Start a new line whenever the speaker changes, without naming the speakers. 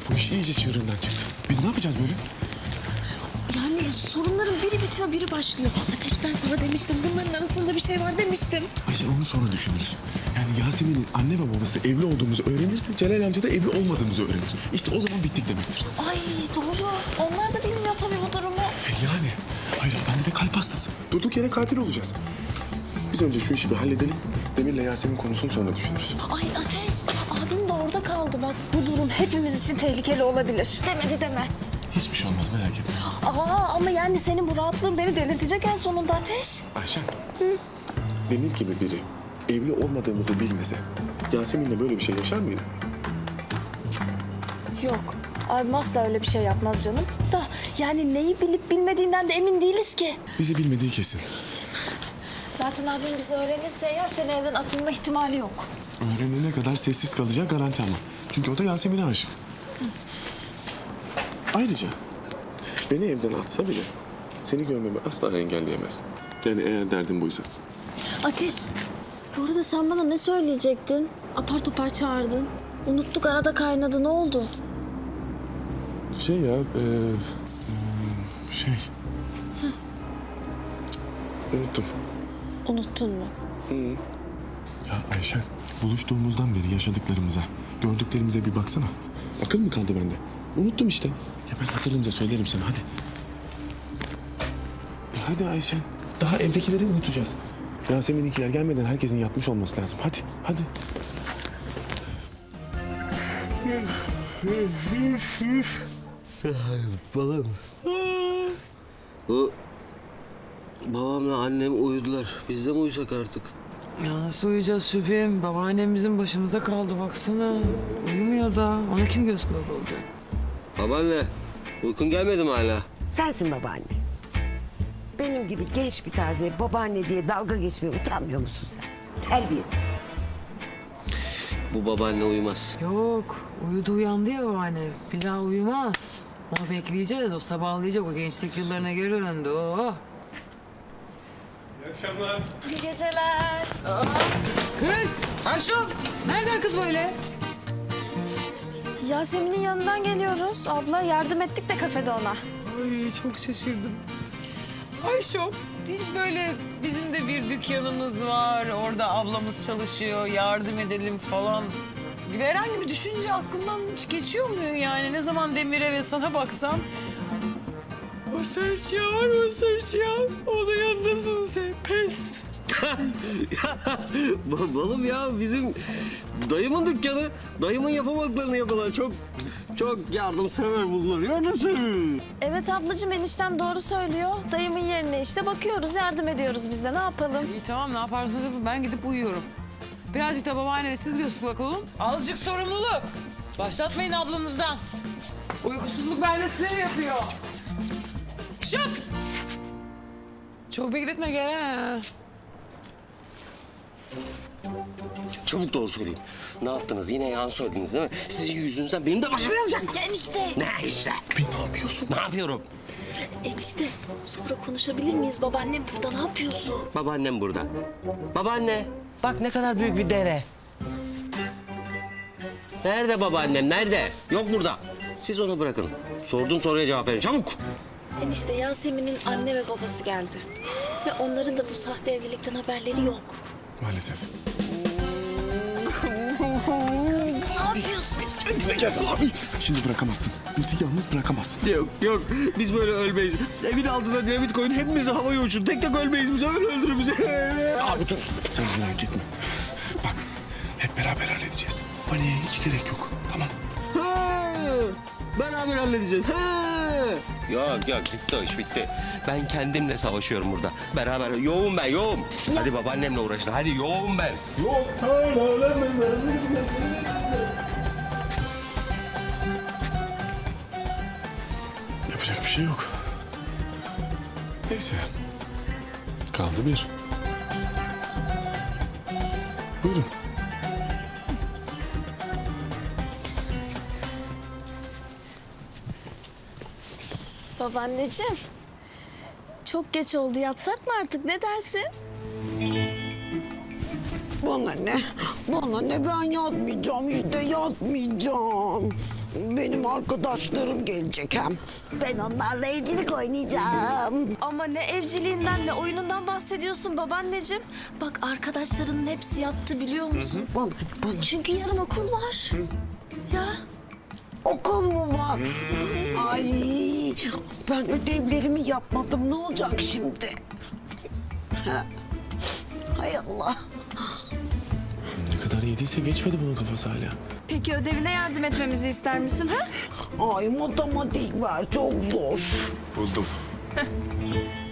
Bu iş iyice çığırından çıktı. Biz ne yapacağız böyle?
Yani sorunların biri bitiyor, biri başlıyor. Ateş, ben sana demiştim. Bunların arasında bir şey var demiştim.
Ayşe onu sonra düşünürüz. Yani Yasemin'in anne ve babası evli olduğumuzu öğrenirse Celal amca da evli olmadığımızı öğrenir. İşte o zaman bittik demektir.
Ay doğru. Onlar da bilmiyor tabii bu durumu.
Yani hayır adam bir de kalp hastası. Durduk yere katil olacağız. Biz önce şu işi bir halledelim. Demir'le Yasemin konusunu sonra düşünürüz.
Ay Ateş, abim de orada kaldı bak. Bu durum hepimiz için tehlikeli olabilir. Demedi deme.
Hiçbir şey olmaz merak etme.
Ama yani senin bu rahatlığın beni delirtecek en sonunda Ateş.
Ayşen. Demir gibi biri evli olmadığımızı bilmese Yasemin'le böyle bir şey yaşar mıydı?
Yok. Abim asla öyle bir şey yapmaz canım. Da yani neyi bilip bilmediğinden de emin değiliz ki.
Bizi bilmediği kesin.
Zaten abim bizi öğrenirse ya seni evden atılma ihtimali yok.
Öğrenene kadar sessiz kalacağı garanti ama. Çünkü o da Yasemin'e aşık. Ayrıca beni evden atsa bile seni görmemi asla engelleyemez. Yani eğer derdin buysa.
Ateş, bu arada sen bana ne söyleyecektin? Apar topar çağırdın. Unuttuk, arada kaynadı. Ne oldu?
Şey ya, şey. Unuttum.
Unuttun mu?
Ya Ayşen, buluştuğumuzdan beri yaşadıklarımıza, gördüklerimize bir baksana. Akıl mı kaldı bende? Unuttum işte. Ya ben hatırlayınca söylerim sana, hadi. Hadi Ayşen, daha evdekileri unutacağız. Yasemin'inkiler gelmeden herkesin yatmış olması lazım. Hadi, hadi.
Balım. Bu babamla annem uyudular. Biz de mi uyusak artık?
Ya nasıl uyuyacağız Şüphem? Babaannem bizim başımıza kaldı baksana. Uyumuyor da. Ona kim göz kulak olacak?
Babaanne, uykun gelmedi mi hala?
Sensin babaanne. Benim gibi genç bir taze babaanne diye dalga geçmeye utanmıyor musun sen? Terbiyesiz.
Bu babaanne uyumaz.
Yok. Uyudu uyandı ya babaanne. Bir daha uyumaz. Onu bekleyeceğiz. O sabahlayacak. O gençlik yıllarına geri döndü. Oh.
İyi geceler.
Kız! Ayşun! Nereden kız böyle?
Yasemin'in yanından geliyoruz. Abla yardım ettik de kafede ona.
Ay çok şaşırdım. Ayşo, hiç böyle bizim de bir dükkanımız var, orada ablamız çalışıyor, yardım edelim falan gibi herhangi bir düşünce aklından hiç geçiyor mu yani? Ne zaman Demir'e ve sana baksam... O Serçiyan, onun yanındasın sen, pes.
Balım ya bizim dayımın dükkanı. Dayımın yapamadıklarını yapıyorlar. Çok yardımsever bunlar. Yardımsever.
Evet ablacığım, eniştem doğru söylüyor. Dayımın yerine işte bakıyoruz, yardım ediyoruz biz de. Ne yapalım?
İyi tamam, ne yaparsanız yapın, ben gidip uyuyorum. Birazcık da babaanneme siz göz kulak olun. Azıcık sorumluluk. Başlatmayın ablanızdan. Uykusuzluk bende sinir yapıyor. Şıp! Çok bekletme gel ha.
Çabuk doğru söyleyin. Ne yaptınız? Yine yalan söylediniz değil mi? Sizin yüzünüzden benim de başım yanacak.
Enişte.
Ne işte?
Ne yapıyorsun?
Ne yapıyorum?
Enişte, sonra konuşabilir miyiz? Babaannem burada, ne yapıyorsun?
Babaannem burada. Babaanne, bak ne kadar büyük bir dere. Nerede babaannem, nerede? Yok burada. Siz onu bırakın. Sorduğum soruya cevap verin, çabuk.
Enişte, Yasemin'in anne ve babası geldi. Ve onların da bu sahte evlilikten haberleri yok.
Maalesef.
Ne yapıyorsun?
Kendine gel abi. Şimdi bırakamazsın. Bizi yalnız bırakamazsın.
Yok, biz böyle ölmeyiz. Evin altına dinamit koyun, hepimizi havaya uçurun. Tek tek ölmeyiz, bizi öyle öldürür bizi.
Abi dur. Sen merak etme. Bak hep beraber halledeceğiz. Paniğe hiç gerek yok. Tamam.
Ha, beraber halledeceğiz. Ha. Yok, bitti o iş, bitti. Ben kendimle savaşıyorum burada. Beraber, yoğum ben, yoğum. Hadi babaannemle uğraşın, hadi yoğum ben.
Yapacak bir şey yok. Neyse. Kaldı bir. Buyurun.
Babaanneciğim, çok geç oldu. Yatsak mı artık? Ne dersin?
Bana ne? Bana ne? Ben yatmayacağım işte, yatmayacağım. Benim arkadaşlarım gelecek hem. Ben onlarla evcilik oynayacağım.
Ama ne evciliğinden ne oyunundan bahsediyorsun babaanneciğim. Bak arkadaşlarının hepsi yattı biliyor musun?
Bana
Çünkü yarın okul var. Ya
okul mu var? Ay, ben ödevlerimi yapmadım. Ne olacak şimdi? Ha. Hay Allah.
Ne kadar yediyse geçmedi bunun kafası hala.
peki ödevine yardım etmemizi ister misin ha?
Ay, matematik var, çok zor.
Buldum.